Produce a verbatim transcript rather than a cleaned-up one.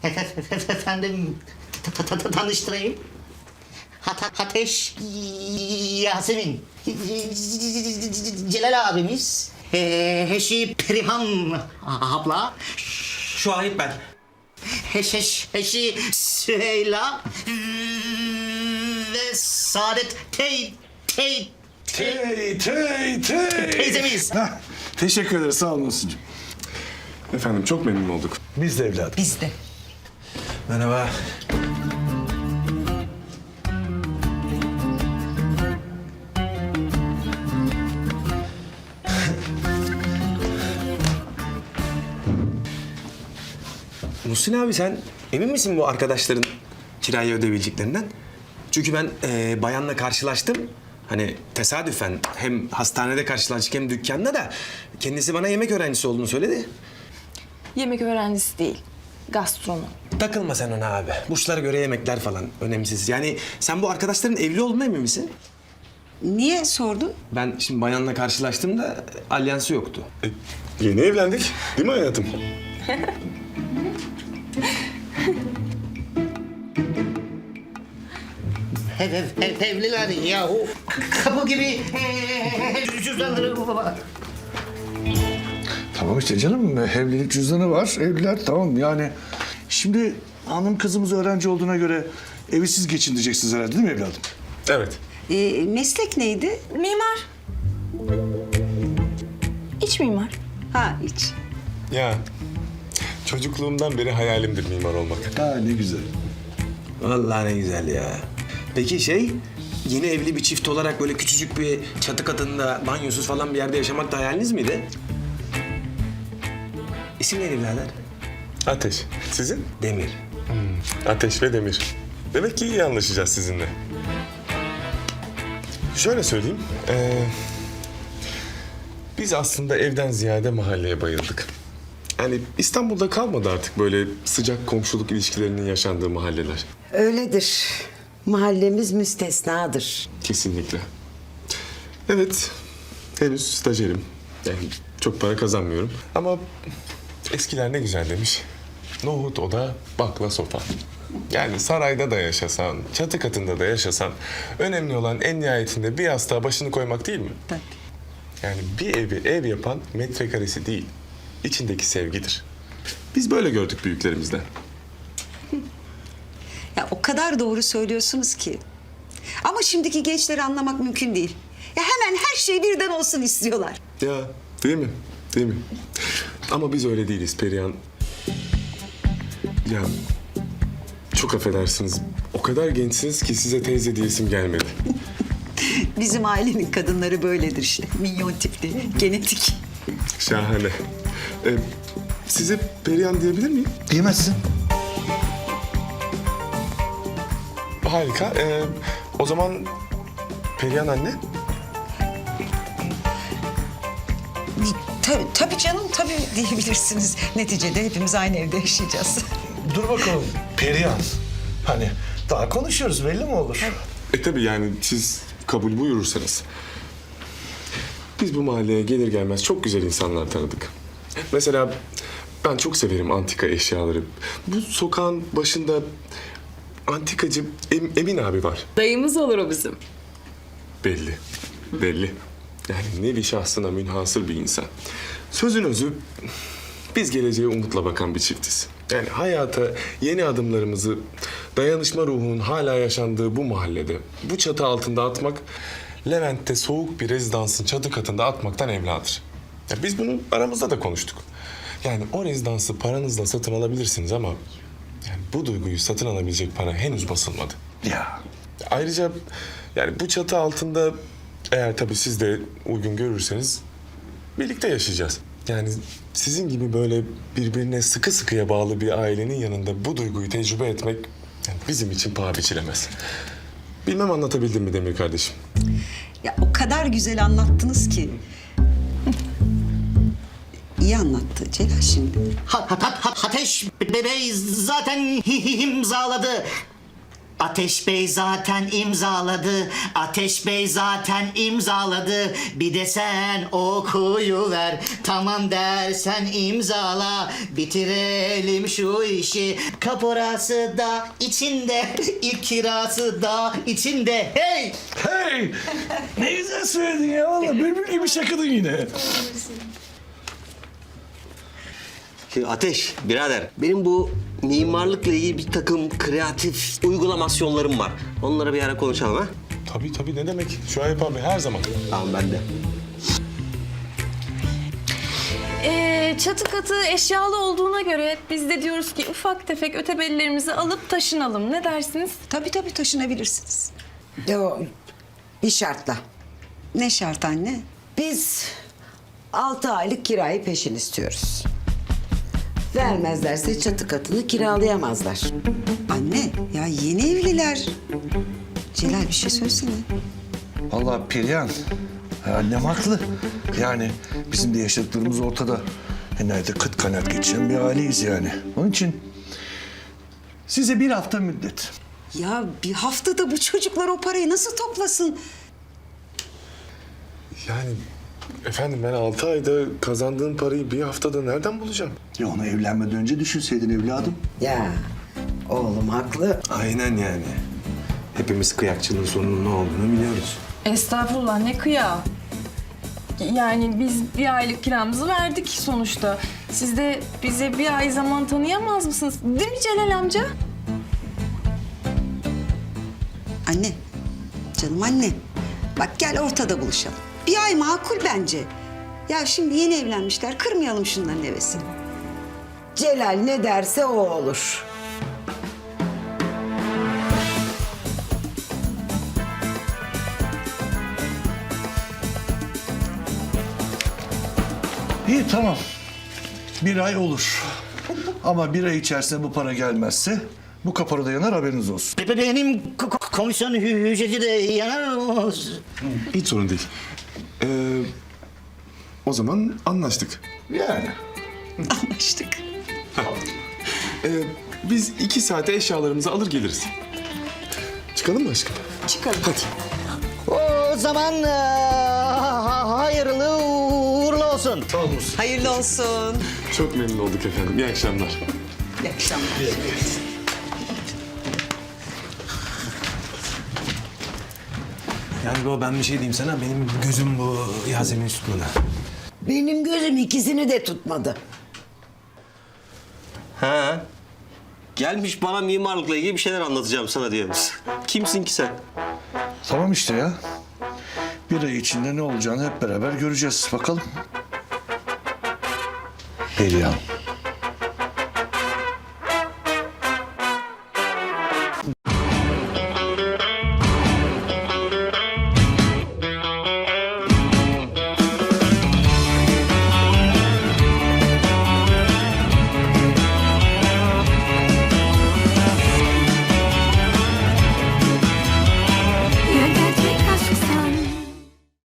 Efendim ta- ta- ta- tanıştırayım. Hat Ateş Yasemin. Celal abimiz. Ee, Heşi Perihan abla. Şahit ben. Heşeş Heşi Süheyla. Ve Saadet Tey Tey Tey, tey, tey. teyzemiz. Hah, teşekkür ederiz, sağ olun Muhsin'cim. Efendim çok memnun olduk. Biz de evladım. Biz de. Merhaba. Muhsin abi sen emin misin bu arkadaşların kirayı ödeyebileceklerinden? Çünkü ben e, bayanla karşılaştım. Hani tesadüfen hem hastanede karşılaştık hem dükkanda da kendisi bana yemek öğrencisi olduğunu söyledi. Yemek öğrencisi değil, gastronom. Takılma sen ona abi. Burçlara göre yemekler falan önemsiz. Yani sen bu arkadaşların evli olduğuna emin misin? Niye sordun? Ben şimdi bayanla karşılaştığımda alyansı yoktu. E, yeni evlendik değil mi hayatım? Ev, ev, ev, evliler yahu. Kapı gibi ee, cüzdanları var. Tamam işte canım, evlilik cüzdanı var, evliler tamam yani. Şimdi hanım kızımız öğrenci olduğuna göre evi siz geçindireceksiniz herhalde değil mi evladım? Evet. Ee, meslek neydi? Mimar. İç mimar. Ha, hiç. Ya çocukluğumdan beri hayalimdir mimar olmak. Ha ne güzel. Vallahi ne güzel ya. Peki şey, yeni evli bir çift olarak böyle küçücük bir çatı katında banyosuz falan bir yerde yaşamak da hayaliniz miydi? İsim neydi birader? Ateş. Sizin? Demir. Ateş ve Demir. Demek ki iyi anlaşacağız sizinle. Şöyle söyleyeyim. ee, biz aslında evden ziyade mahalleye bayıldık. Yani İstanbul'da kalmadı artık böyle sıcak komşuluk ilişkilerinin yaşandığı mahalleler. Öyledir. Mahallemiz müstesnadır. Kesinlikle. Evet, henüz stajyerim. Yani çok para kazanmıyorum. Ama eskiler ne güzel demiş. Nohut oda, bakla sopa. Yani sarayda da yaşasan, çatı katında da yaşasan... önemli olan en nihayetinde bir yastığa başını koymak değil mi? Tabii. Yani bir evi ev yapan metrekaresi değil, içindeki sevgidir. Biz böyle gördük büyüklerimizden. Ya o kadar doğru söylüyorsunuz ki. Ama şimdiki gençleri anlamak mümkün değil. Ya hemen her şey birden olsun istiyorlar. Ya değil mi? Değil mi? Ama biz öyle değiliz Perihan. Ya çok affedersiniz. O kadar gençsiniz ki size teyze diyesim gelmedi. Bizim ailenin kadınları böyledir işte. Minyon tipli, genetik. Şahane. Ee, size Perihan diyebilir miyim? Diyemezsin. Harika. Ee, o zaman Perihan anne. Tabii, tabii canım, tabii diyebilirsiniz. Neticede hepimiz aynı evde yaşayacağız. Dur bakalım Perihan. Hani daha konuşuyoruz, belli mi olur? E tabii yani siz kabul buyurursanız. Biz bu mahalleye gelir gelmez çok güzel insanlar tanıdık. Mesela ben çok severim antika eşyaları. Bu sokağın başında antikacı Em- Emin abi var. Dayımız olur o bizim. Belli, belli. Yani nevi şahsına münhasır bir insan. Sözün özü, biz geleceğe umutla bakan bir çiftiz. Yani hayata yeni adımlarımızı dayanışma ruhunun hala yaşandığı bu mahallede, bu çatı altında atmak, Levent'te soğuk bir rezidansın çatı katında atmaktan evladır. Ya biz bunu aramızda da konuştuk. Yani o rezidansı paranızla satın alabilirsiniz ama yani bu duyguyu satın alabilecek para henüz basılmadı. Ya Ayrıca yani bu çatı altında eğer tabii siz de uygun görürseniz birlikte yaşayacağız. Yani sizin gibi böyle birbirine sıkı sıkıya bağlı bir ailenin yanında bu duyguyu tecrübe etmek yani bizim için paha biçilemez. Bilmem anlatabildim mi Demir kardeşim? Ya o kadar güzel anlattınız ki. İyi anlattı Celal şimdi. Ha, ha, ha, Ateş Bey zaten imzaladı. Ateş Bey zaten imzaladı, Ateş Bey zaten imzaladı. Bir de sen okuyuver, tamam dersen imzala. Bitirelim şu işi, kaporası da içinde, ilk kirası da içinde. Hey! Hey! Ne güzel söyledin ya valla. Bülbül gibi şakadın yine. Şimdi Ateş, birader, benim bu mimarlıkla ilgili bir takım kreatif uygulamasyonlarım var. Onları bir ara konuşalım ha? Tabii tabii, ne demek? Şuayb abi her zaman. Tamam, ben de. Ee, çatı katı eşyalı olduğuna göre biz de diyoruz ki ufak tefek ötebellerimizi alıp taşınalım. Ne dersiniz? Tabii tabii taşınabilirsiniz. Yo, bir şartla. Ne şart anne? Biz altı aylık kirayı peşin istiyoruz. Vermezlerse çatı katını kiralayamazlar. Anne ya yeni evliler. Celal bir şey söylesene. Vallahi Perihan, ya annem haklı. Yani bizim de yaşadıklarımız ortada. E nerede kıt kanaat geçen bir aileyiz yani. Onun için size bir hafta müddet. Ya bir haftada bu çocuklar o parayı nasıl toplasın? Yani efendim, ben altı ayda kazandığım parayı bir haftada nereden bulacağım? Ya onu evlenmeden önce düşünseydin evladım. Ya oğlum haklı. Aynen yani. Hepimiz kıyakçılığın sonunun ne olduğunu biliyoruz. Estağfurullah, ne kıya. Yani biz bir aylık kiramızı verdik sonuçta. Siz de bize bir ay zaman tanıyamaz mısınız? Değil mi Celal amca? Anne, canım anne. Bak gel ortada buluşalım. Bir ay makul bence. Ya şimdi yeni evlenmişler, kırmayalım şunların hevesini. Celal ne derse o olur. İyi tamam. Bir ay olur. Ama bir ay içerisinde bu para gelmezse bu kapora da yanar, haberiniz olsun. Be- be- Benim ko- ko- komisyon hü- hücreti de yanar mı? Hiç sorun değil. Ee, o zaman anlaştık. Yani. Anlaştık. Ee, biz iki saate eşyalarımızı alır geliriz. Çıkalım mı aşkım? Çıkalım. Hadi. O zaman eee, ha- hayırlı uğurlu olsun. Hayırlı olsun. Çok memnun olduk efendim. İyi akşamlar. İyi akşamlar. Yani baba, ben bir şey diyeyim sana. Benim gözüm bu Yasemin tutmadı. Benim gözüm ikisini de tutmadı. Ha? Gelmiş bana mimarlıkla ilgili bir şeyler anlatacağım sana diyormuş. Kimsin ki sen? Tamam işte ya. Bir ay içinde ne olacağını hep beraber göreceğiz. Bakalım. Perihan.